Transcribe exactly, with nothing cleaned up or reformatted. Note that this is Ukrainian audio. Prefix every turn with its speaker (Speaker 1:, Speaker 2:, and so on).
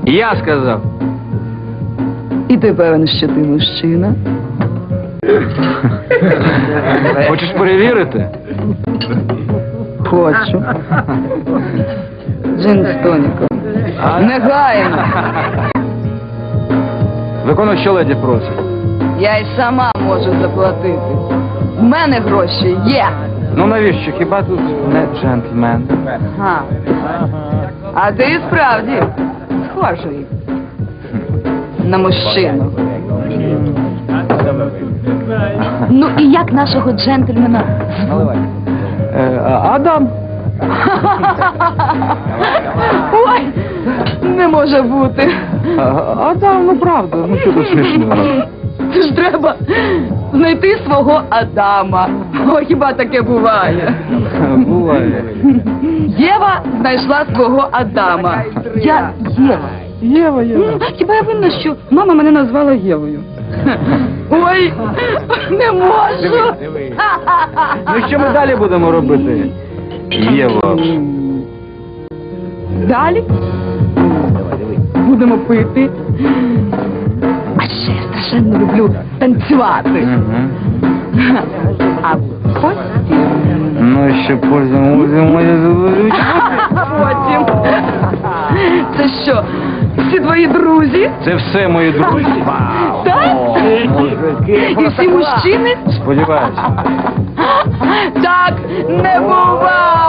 Speaker 1: Я сказав.
Speaker 2: І ти певен, що ти мужчина?
Speaker 1: Хочеш перевірити?
Speaker 2: Хочу. Джин з тоніком. Негайно.
Speaker 1: Виконуй, що леді просить.
Speaker 2: Я й сама можу заплатити. У мене гроші є.
Speaker 1: Ну навіщо? Хіба тут не джентльмен?
Speaker 2: Ага. А ти справді схожий на мужчину. Ну і як нашого джентльмена?
Speaker 1: Е, Адам.
Speaker 2: Ой, не може бути.
Speaker 1: Адам, ну правда, ну що тут смішного?
Speaker 2: Це ж треба знайти свого Адама. О, хіба таке буває?
Speaker 1: Буває.
Speaker 2: Єва знайшла свого Адама. Я Єва.
Speaker 1: Єва, Єва.
Speaker 2: Ну, хіба я винна, що мама мене назвала Євою? Ой, не можу.
Speaker 1: Ну що ми далі будемо робити? Єва.
Speaker 2: Далі будемо пити. А ще я страшенно люблю танцювати. А потім...
Speaker 1: Ну і ще потім будемо...
Speaker 2: Потім... Це що, всі твої друзі?
Speaker 1: Це все мої друзі.
Speaker 2: Так? І всі мужчини?
Speaker 1: Сподіваюся.
Speaker 2: Так не буває!